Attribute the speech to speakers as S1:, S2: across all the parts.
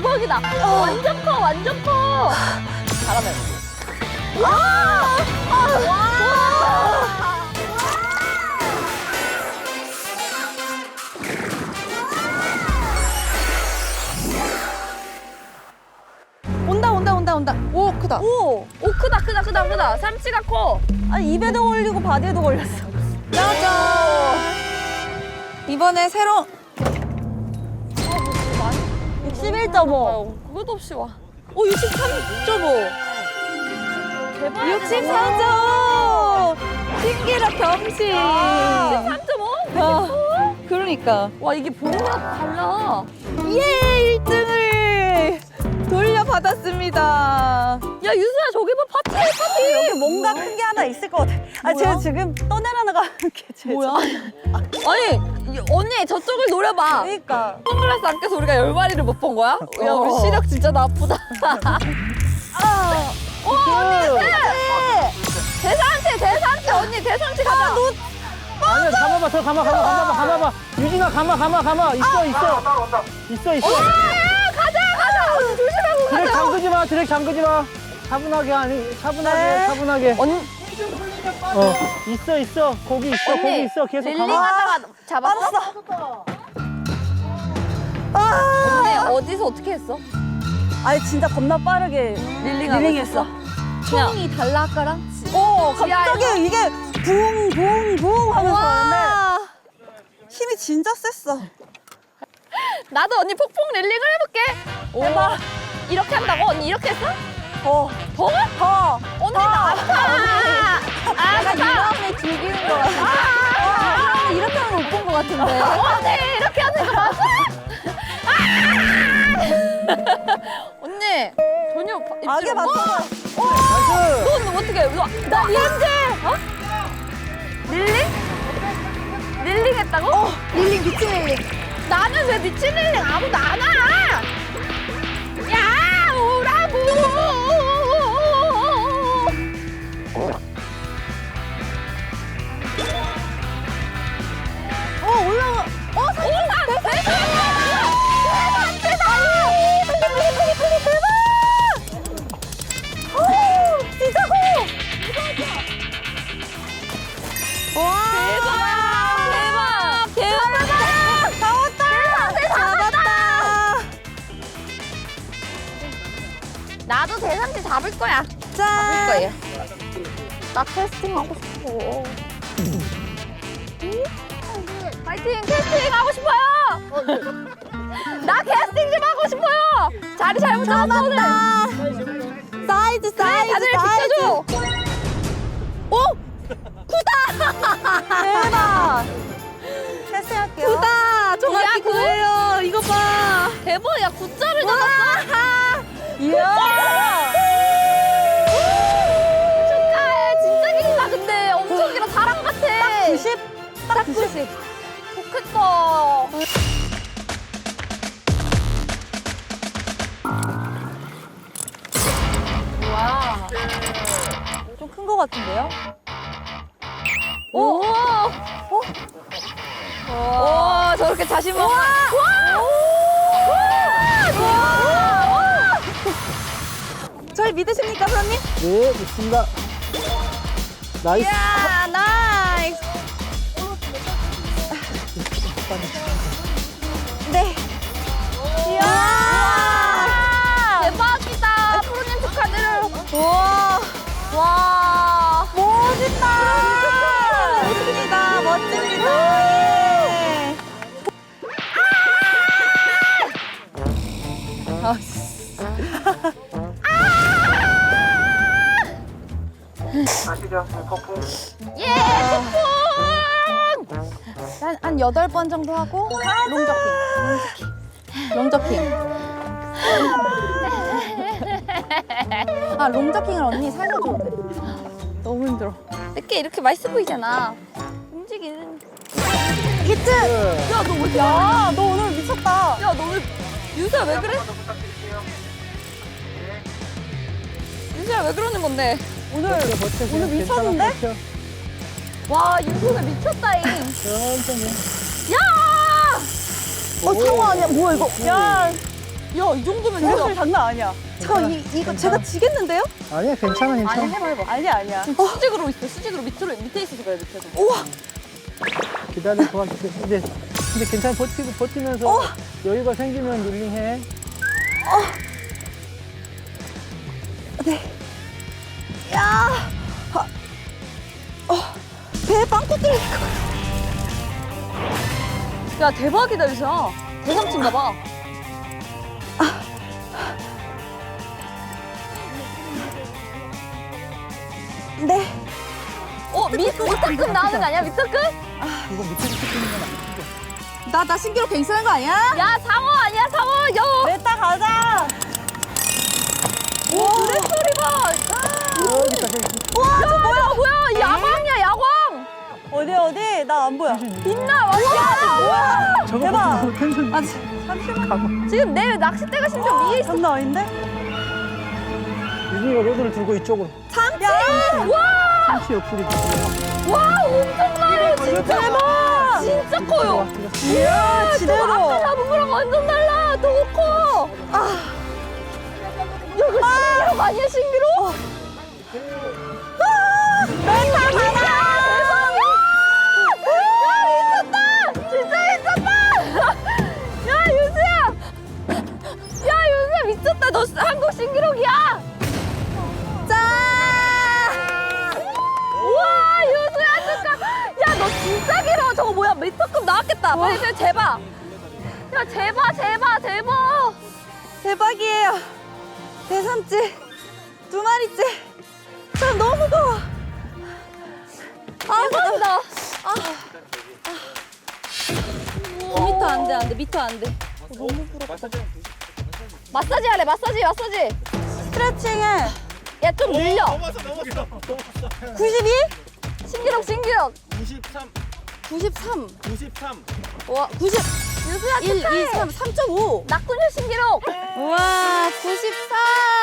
S1: 대박이다. 완전 커, 완전 커. 잘하네. 와! 와!
S2: 온다. 오, 크다.
S1: 오, 크다. 삼치가 커.
S2: 아니, 입에도 걸리고 바디에도 걸렸어. 짜잔. 이번에 새로 61.5.
S1: 그것도 없이 와.
S2: 오, 63.5.
S1: 대박.
S2: 64점. 신기록 경시.
S1: 3.5?
S2: 그러니까.
S1: 와, 이게 보는 거랑 달라.
S2: 예, 1등을 돌려받았습니다.
S1: 야, 유수야, 저기 봐, 파티.
S2: 여기 뭔가 큰 게 하나 있을 것 같아. 아, 제가 지금 떠내려나가 게 제일
S1: 뭐야? 아니, 언니, 저쪽을 노려봐.
S2: 그러니까.
S1: 선글라스 안 껴서 우리가 10마리를 못 본 거야? 야, 우리 시력 진짜 나쁘다. 언니, 대상치, 언니, 대상치 가자.
S3: 아니야, 감아봐, 더 감아봐. 유진아, 감아. 있어.
S1: 가자. 언니, 조심하고 가자.
S3: 드랙 잠그지 마. 차분하게.
S1: 언니,
S3: 있어. 거기 있어. 계속
S1: 릴링
S3: 감아.
S1: 하다가 잡았어? 언니, 어디서 어떻게 했어?
S2: 아니, 진짜 겁나 빠르게 릴링했어.
S1: 총이 달라, 아까랑?
S2: 갑자기 이게 붕 하면서 하는데 힘이 진짜 셌어.
S1: 나도 언니 폭풍 릴링을 해볼게.
S2: 해봐.
S1: 이렇게 한다고? 언니 이렇게 했어?
S2: 더.
S1: 언니 나 아파.
S2: 내가 유람을 즐기는 것 같아. 이렇게 하는 거 못 본 것 같은데.
S1: 언니 이렇게 하는 거 맞아? 언니 전혀
S2: 악에 맞춰.
S1: 넌 어떻게 해? 나 릴링 어? 릴링 했다고?
S2: 릴링 미친 릴링.
S1: 나는 왜 미친 릴링 아무도 안 와? 야 오라고.
S2: 올라가.
S1: 나도 대상치 잡을 거야.
S2: 짠.
S1: 거예요. 나 캐스팅 하고 싶어. 파이팅! 캐스팅 하고 싶어요! 나 캐스팅 좀 하고 싶어요! 자리 잘못 잡았어, 오늘!
S2: 사이즈.
S1: 다들 비켜줘!
S2: 대박. 캐스팅할게요.
S1: 야,
S2: 정확히
S1: 구?
S2: 그래요. 이거 봐.
S1: 대박, 야, 9자를 잡았어!
S2: 이야.
S1: 축하해! 진짜 길다, 근데! 엄청 길어, 사람 같아!
S2: 90? 딱 90.
S1: 좋겠다. 와.
S2: 좀 큰 거 같은데요?
S1: 오! 오, 저렇게 자신만. 와!
S2: 저희 믿으십니까, 사장님?
S3: 네, 좋습니다. 나이스.
S2: 이야, 나이스. 네. 이야.
S1: 대박이다. 프로님 축하드려요.
S2: 우와.
S1: 와.
S2: 멋있다. 멋집니다. 예.
S3: 아시죠? 폭풍.
S1: 예, 폭풍.
S2: 한 8번 정도 하고 롱저킹. 아, 롱저킹을 언니 살려줘야 돼. 너무 힘들어.
S1: 이렇게 이렇게 맛있어 보이잖아. 움직이는.
S2: 히트!
S1: 야, 너 왜?
S2: 야, 너 오늘 미쳤다.
S1: 야, 너 왜? 유수야 왜 그래? 유수야 왜 그러는 건데?
S2: 오늘 미쳤는데?
S1: 와, 유수는 미쳤다잉.
S3: 천천히.
S1: 야!
S2: 상어 아니야? 뭐야, 이거? 야, 야, 이 정도면 진짜 장난 아니야. 잠깐, 이거 제가 지겠는데요?
S3: 아니야, 괜찮아, 괜찮아.
S1: 아니 해봐.
S2: 아니야.
S1: 지금 수직으로 있어. 수직으로 밑에 있어서 그래 밑에서.
S2: 우와!
S3: 기다려, 도와줄게. 근데 괜찮아, 버티면서 여유가 생기면 릴링해.
S2: 네. 야! 배에 빵꾸 뚫릴 것 같아.
S1: 야 대박이다 유수야. 대삼친가 봐.
S2: 네.
S1: 미터급 나오는 거 아니야? 미터급?
S3: 이거 밑에 찍히는 건 아니고.
S2: 나 신기록 괜찮은 거 아니야?
S1: 야 상어 아니야 상어. 여.
S2: 냈다 가자.
S1: 오 그래 소리 봐.
S3: 여기다, 저기.
S1: 와, 저 뭐야? 야광이야, 야광!
S2: 어디? 나 안 보여.
S1: 빛나, 완전!
S3: 저거
S2: 대박.
S3: 보고 텐션.
S2: 잠시만.
S1: 지금 내 낚싯대가 심지어 위에 있어.
S2: 장난 아닌데?
S3: 유진이가 로드를 들고 이쪽으로.
S2: 참치!
S1: 와!
S3: 참치 옆구리.
S1: 와, 엄청 나요, 진짜!
S2: 대박!
S1: 진짜 커요!
S2: 이야,
S1: 저거
S2: 지대로.
S1: 아까 잡은 거랑 완전 달라! 더 커! 야, 이거 신기록 아니야, 신기록? 멘탈 받아! 야, 미쳤다! 진짜 미쳤다! 야, 유수야! 야, 유수야, 미쳤다! 너 한국 신기록이야! 짠! 우와, 유수야, 잠깐! 야, 너 진짜 길어! 저거 뭐야, 미터급 나왔겠다! 빨리 좀 재봐! 야, 재봐!
S2: 대박이에요. 대삼치 2마리째. 참 너무 무거워.
S1: 대박이다! 미터 안 돼, 미터 안 돼. 너무 부럽다. 마사지 하래, 마사지.
S2: 스트레칭을
S1: 야, 좀 늘려.
S4: 넘었어.
S2: 92?
S1: 신기록.
S4: 93.
S2: 93.
S1: 와, 90. 유수야,
S2: 1, 2,
S1: 축하해.
S2: 3, 3.5.
S1: 낙군유 신기록.
S2: 우와, 94.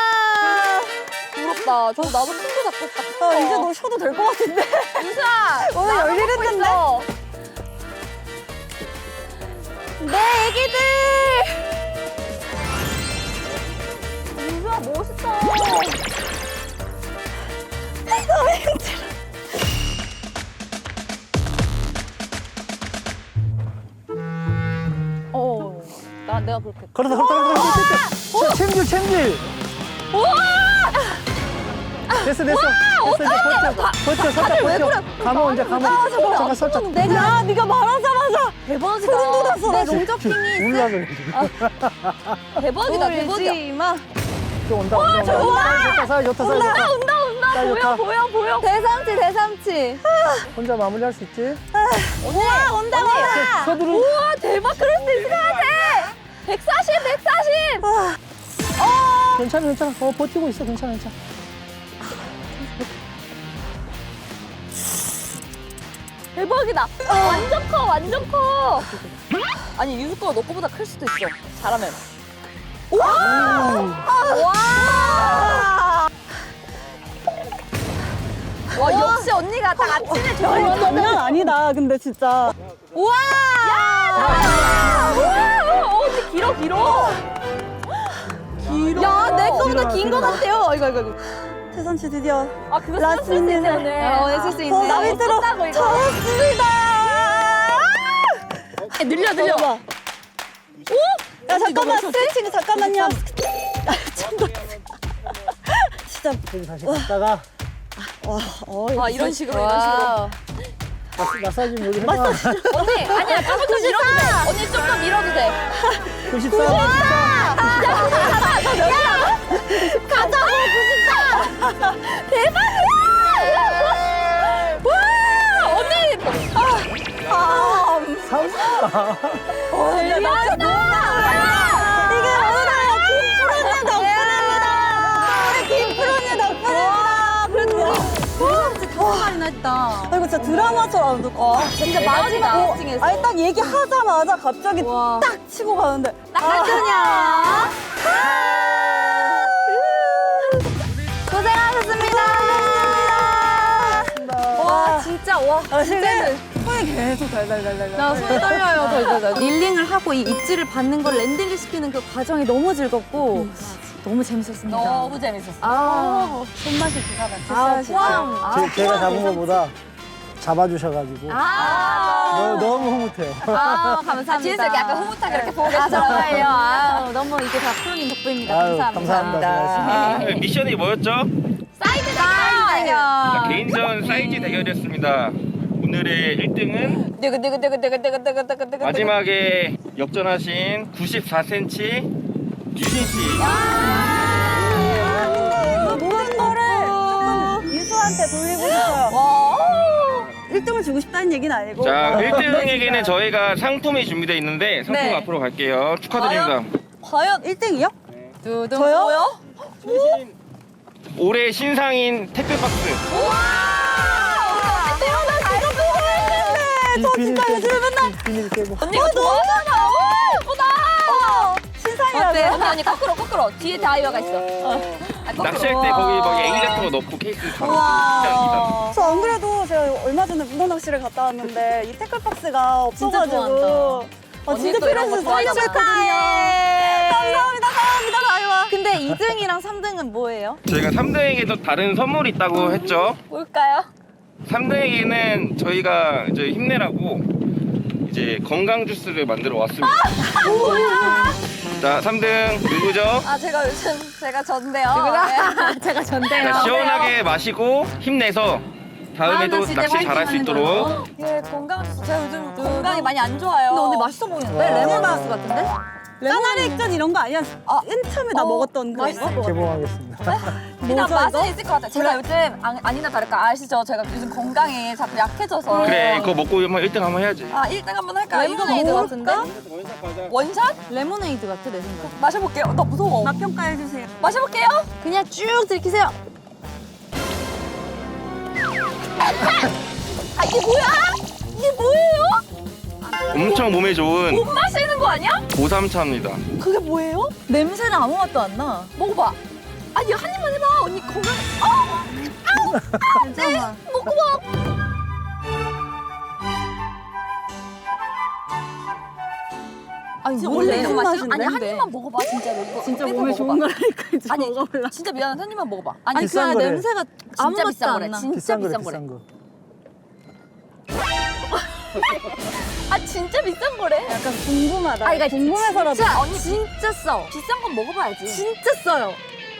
S1: 부럽다. 저거 나도 큰 거 잡고 싶다.
S2: 이제 너 쉬어도 될 것 같은데?
S1: 유수야,
S2: 오늘
S1: 나도
S2: 열일
S1: 먹고
S2: 했는데?
S1: 있어.
S2: 네, 애기들.
S1: 유수야, 멋있다.
S2: 너무 힘들어.
S1: 내가 그렇게.
S3: 걸어서. 챔질.
S1: 우와!
S3: 됐어. 이제 버텨. 살짝
S1: 왜
S3: 버텨.
S1: 그래?
S3: 감아, 이제 감아. 잠깐, 살짝.
S2: 야, 네가 말하자마자
S1: 대박이다.
S2: 소름 돋았어.
S1: 내 롱저핑이
S3: 몰라, 그래.
S1: 대박이다.
S2: 울지 마.
S3: 또 온다. 좋다.
S1: 온다. 보여.
S2: 대삼치.
S1: 아,
S3: 혼자 마무리할 수 있지?
S2: 우와, 온다.
S3: 서두르.
S1: 우와, 대박. 그럴 수 있을 것 같아. 140.
S3: 괜찮아. 버티고 있어. 괜찮아.
S1: 대박이다. 완전 커. 아니, 유수 거가 너 거보다 클 수도 있어. 잘하면. 와, 역시 언니가 딱 아침에 좋은
S2: 장난 아니다, 근데 진짜.
S1: 우와! 언니 길어.
S2: 야, 내 거보다 긴 거
S3: 길어.
S2: 같아요. 이거. 태산씨 드디어
S1: 아, 그거
S2: 라스트
S1: 쓸수 있네,
S2: 미니를.
S1: 오늘.
S2: 했을 수 있네.
S1: 나
S2: 나비
S1: 못
S2: 들어
S1: 썼다고, 이거.
S2: 잡았습니다.
S1: 늘려.
S2: 야, 잠깐만, 스트레칭 잠깐만요. 진짜.
S3: 여기 다시 갔다가
S1: 아, 이런 식으로.
S3: 마사지 여기 해봐.
S1: 언니, 아니야, 가서 좀 밀어도 돼. 언니 좀 더 밀어도 돼.
S3: 94.
S1: 가자! 94! 대박이야! 와! 언니!
S2: 이게 오늘 김프로님 덕분입니다.
S1: 그래도
S2: 우리 다섯 마리나 했다. 이거 진짜 드라마처럼 듣고.
S1: 진짜 마지막 찡했어.
S2: 아니 딱 얘기하자마자 갑자기 딱 치고 가는데.
S1: 낙하전이야.
S2: 고생하셨습니다.
S1: 와, 진짜, 와.
S2: 진짜 후회 손이 계속 달달달달.
S1: 나 손이 떨려요. 덜덜덜. 릴링을 하고 이 입질을 받는 걸 랜딩을 시키는 그 과정이 너무 즐겁고 너무 재밌었습니다.
S2: 너무 재밌었어.
S1: 아,
S2: 손맛이 기가 막혔어요.
S1: 꽝.
S3: 제가 잡은 것보다 잡아주셔가지고 너무 흐뭇해요.
S1: 감사합니다.
S2: 뒤에서 이렇게 약간 흐뭇하게 이렇게 보고 계시더라고요.
S1: 정말요. 너무 이게 다 프로님 덕분입니다.
S3: 아유,
S1: 감사합니다.
S3: 감사합니다.
S5: 네, 미션이 뭐였죠?
S1: 사이즈
S5: 자,
S1: 대결.
S5: 개인전 사이즈 대결이었습니다. 오늘의 1등은
S2: 뜨그뜨그뜨그뜨그뜨그뜨그뜨그.
S5: 마지막에 역전하신 94cm 유진 씨.
S2: 모든 거를 조금 유수한테 돌리고 싶어요. 1등을 주고 싶다는 얘기는 아니고.
S5: 자, 1등에게는 저희가 상품이 준비되어 있는데 상품
S1: 네.
S5: 앞으로 갈게요. 축하드립니다.
S2: 과연 1등이요?
S1: 두둥.
S2: 저요?
S5: 올해 신상인 택배박스.
S3: 저 진짜 요즘에 맨날 비닐 깨고.
S2: 언니가 좋아하잖아. 예쁘다. 신상이라고.
S1: 언니 거꾸로 뒤에 다이어가 있어.
S5: 낚시할 때 거기 막 애기 같은 거 넣고 케이스 바로 일단.
S2: 저 안 그래도 제가 얼마 전에 문어 낚시를 갔다 왔는데 이 태클박스가 없어가지고 진짜 필요해서 사려했거든요. 감사합니다 다이와.
S1: 근데 2등이랑 3등은 뭐예요?
S5: 저희가 3등에게도 다른 선물이 있다고 했죠.
S1: 뭘까요?
S5: 3등에게는 저희가 이제 힘내라고 이제 건강 주스를 만들어 왔습니다. 자, 3등 누구죠?
S2: 제가 요즘 제가 전데요.
S1: 제가 전대요.
S5: 자, 시원하게 마시고 힘내서 다음에도
S1: 진짜
S5: 낚시 잘할 수
S1: 화이팅하는
S5: 있도록.
S2: 예, 건강 제가 요즘 건강이 많이 안 좋아요.
S1: 근데 언니 맛있어 보이는데? 레몬바스 같은데?
S2: 까나리 액젓 이런 거 아니야? 맨 처음에 나 먹었던 그런 거?
S3: 개봉하겠습니다.
S2: 그냥 맛은 있을 것 같아요. 제가 요즘 아니나 다를까 아시죠? 제가 요즘 건강이 자꾸 약해져서.
S5: 그래, 그거 먹고 한번 1등 한번 해야지.
S2: 1등 한번 할까요?
S1: 레모네이드
S2: 이거
S1: 같은데?
S2: 먹을까? 원샷?
S1: 레모네이드 같아 내 생각.
S2: 마셔볼게요. 나 무서워. 맛 평가해주세요. 마셔볼게요.
S1: 그냥 쭉 들이키세요.
S2: 이게 뭐야? 이게 뭐예요?
S5: 엄청 몸에 좋은
S2: 못 마시는 거 아니야?
S5: 고삼차입니다.
S2: 그게 뭐예요?
S1: 냄새는 아무 맛도 안 나.
S2: 먹어봐. 아니 한 입만 해봐. 언니 건강.
S1: 괜찮아.
S2: 먹어봐.
S1: 아니
S2: 진짜
S1: 원래
S2: 원래
S1: 이런
S2: 이런
S1: 맛이
S2: 아니 한 입만 먹어봐 진짜로. 이거
S1: 진짜
S2: 뺏어
S1: 몸에
S2: 먹어봐.
S1: 좋은 거라니까 이제
S2: 아니
S1: 먹어볼라.
S2: 진짜 미안한데 한 입만 먹어봐.
S1: 아니
S3: 비싼
S1: 그
S3: 거래.
S1: 냄새가 아무
S2: 진짜
S1: 맛도
S2: 비싼
S1: 안
S2: 거래.
S1: 나.
S2: 진짜
S3: 비싼 거래,
S2: 비싼 거래.
S3: 비싼 거.
S2: 진짜 비싼 거래. 약간 궁금하다.
S1: 이거
S2: 궁금해서라도.
S1: 진짜,
S2: 언니
S1: 진짜 싸.
S2: 비싼 건 먹어봐야지.
S1: 진짜 싸요.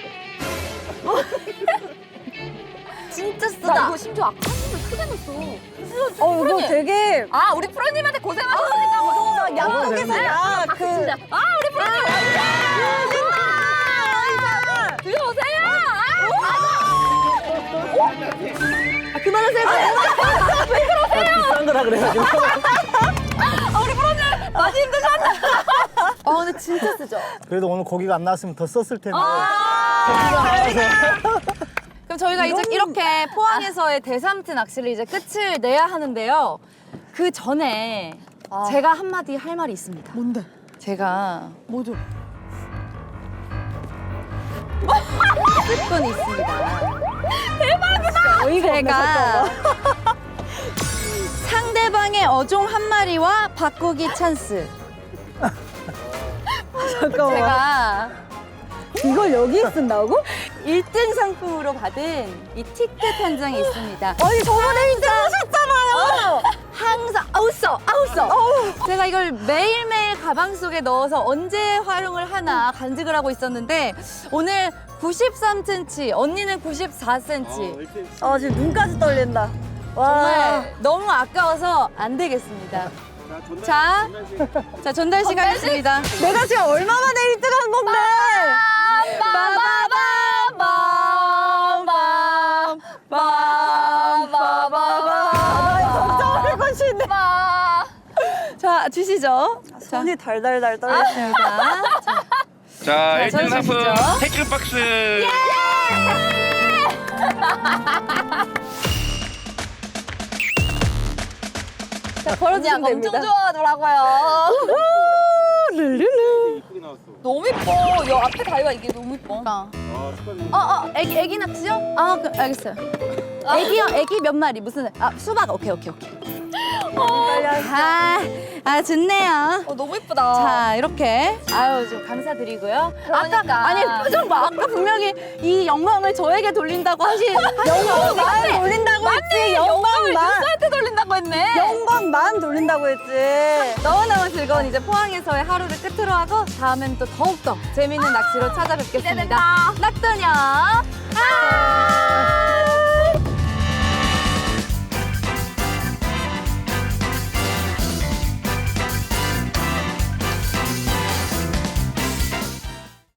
S1: 진짜
S2: 나
S1: 쓰다.
S2: 이거 심지어 아까 한 입을 크게 넣었어.
S6: 이거
S2: 프로님.
S6: 되게
S2: 우리 프로님한테 고생하셨으니까 이거
S6: 양쪽에서
S2: 우리 프로님 들어오세요.
S1: 그만하세요.
S3: 비싼 거라 그래가지고.
S2: 우리 프로님 많이 힘드셨나?
S1: 근데 진짜 쓰죠.
S3: 그래도 오늘 고기가 안 나왔으면 더 썼을 텐데.
S1: 그럼 저희가 이제 이렇게 포항에서의 대삼트 낚시를 이제 끝을 내야 하는데요. 그 전에 제가 한마디 할 말이 있습니다.
S2: 뭔데?
S1: 제가
S2: 뭐죠?
S1: 습관이 있습니다. 대박이다! 제가 상대방의 어종 한 마리와 바꾸기 찬스.
S6: 잠깐만.
S1: 제가
S6: 이걸 여기에 쓴다고?
S1: 1등 상품으로 받은 이 티켓 한 장이 있습니다.
S6: 아니 저번에 1등 하셨잖아요.
S1: 항상 아웃서. 제가 이걸 매일매일 가방 속에 넣어서 언제 활용을 하나 간직을 하고 있었는데 오늘 93cm, 언니는 94cm.
S6: 지금 눈까지 떨린다. 와.
S1: 정말 너무 아까워서 안 되겠습니다. 자, 전달 씨 가겠습니다.
S6: 내가 지금 얼마 만에 1등 한 건데. 걱정할 것이 있네.
S1: 자, 주시죠.
S6: 손이 달달달 떨리네요.
S5: 자, 1등 상품
S1: 전해주시죠.
S5: 태클박스.
S1: 자, 걸어주시면
S2: 엄청
S1: 됩니다.
S2: 좋아하더라고요.
S6: 룰루루.
S2: 너무 이뻐. 여 앞에 다이가 이게 너무 이뻐.
S1: 애기 낚시요? 그럼 알겠어요. 애기요? 애기 몇 마리? 무슨, 수박. 오케이. 좋네요.
S2: 너무 예쁘다.
S1: 자, 이렇게. 아유, 좀 감사드리고요.
S2: 그러니까.
S1: 아까, 아니, 표정 봐. 아까 분명히 이 영광을 저에게 돌린다고
S6: 영광만 돌린다고 했지. 영광만.
S1: 유수한테 돌린다고 했네.
S6: 영광만 돌린다고 했지.
S1: 너무너무 즐거운 이제 포항에서의 하루를 끝으로 하고 다음엔 또 더욱더 재밌는 낚시로 찾아뵙겠습니다. 낙도녀.